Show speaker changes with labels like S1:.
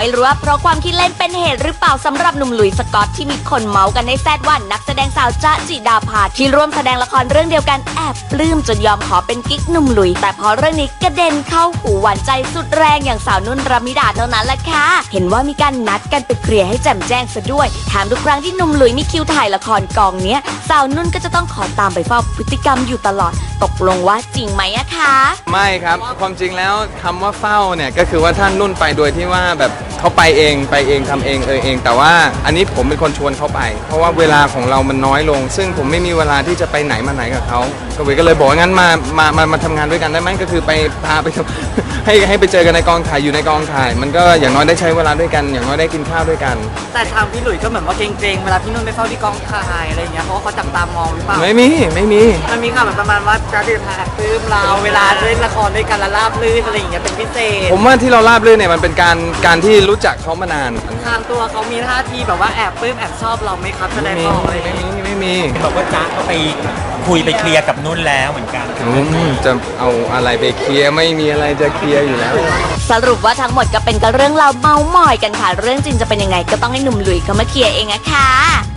S1: รู้ว่าเพราะความคิดเล่นเป็นเหตุหรือเปล่าสำหรับหนุ่มหลุยส์สกอตที่มีคนเมาส์กันในแซดว่านักแสดงสาวจ๊ะจิดาภาที่ร่วมแสดงละครเรื่องเดียวกันแอบปลื้มจนยอมขอเป็นกิ๊กหนุ่มหลุยส์แต่พอเรื่องนี้กระเด็นเข้าหูหวานใจสุดแรงอย่างสาวนุ่นรมิดาเท่านั้นแหละค่ะเห็นว่ามีการนัดกันไปเคลียร์ให้แจ่มแจ้งซะด้วยแถมทุกครั้งที่หนุ่มหลุยส์มีคิวถ่ายละครกองเนี้ยสาวนุ่นก็จะต้องขอตามไปเฝ้าพฤติกรรมอยู่ตลอดตกลงว่าจริงไหมอะคะ
S2: ไม่ครับความจริงแล้วคำว่าเฝ้าเนี่ยก็คือว่าท่านนุ่นไปโดยที่ว่าแบบเขาไปเองทำเองเองแต่ว่าอันนี้ผมเป็นคนชวนเขาไปเพราะว่าเวลาของเรามันน้อยลงซึ่งผมไม่มีเวลาที่จะไปไหนมาไหนกับเขาก็เลยบอกว่างั้นมาทำงานด้วยกันได้ไหมก็คือไปพาไป ให้ไปเจอกันในกองถ่ายอยู่ในกองถ่ายมันก็อย่างน้อยได้ใช้เวลาด้วยกันอย่างน้อยได้กินข้าวด้วยกัน
S3: แต่ทางพี่หลุยส์ก็เหมือนว่าเกรงๆเวลาพี่นุ่นไปเฝ้าที่กองถ่ายอะไรอย่างเงี้ยเพราะว่าเขาจับตามองหรือเปล่า
S2: ไม่มี
S3: มันมีข่าวแบบประมาณว่าจะติดพาปลื้มเราเวลาเล่นละครด้วยกันและราบรื่นอะไรอย่างเงี้ยเป็นพิเศษ
S2: ผมว่าที่เราราบรื่นเนี่ยมันเป็นการที่รู้จักเขามานาน
S3: ทางตัวเขามีท่าทีแบบว่าแอบปลื้มแอบชอบเราไหมครับแสดงออกอะไร
S2: ไม่มี
S4: บอกว่าจ๊ะก็ไปคุยไปเคลียร์กับนุ่นแล้วเหมือนกัน
S2: จะเอาอะไรไปเคลียร์ไม่มีอะไรจะเคลียร์อยู่แล้ว
S1: สรุปว่าทั้งหมดก็เป็นกับเรื่องเราเมาหมอยกันค่ะเรื่องจริงจะเป็นยังไงก็ต้องให้หนุ่มหลุยส์เขามาเคลียร์เองอะค่ะ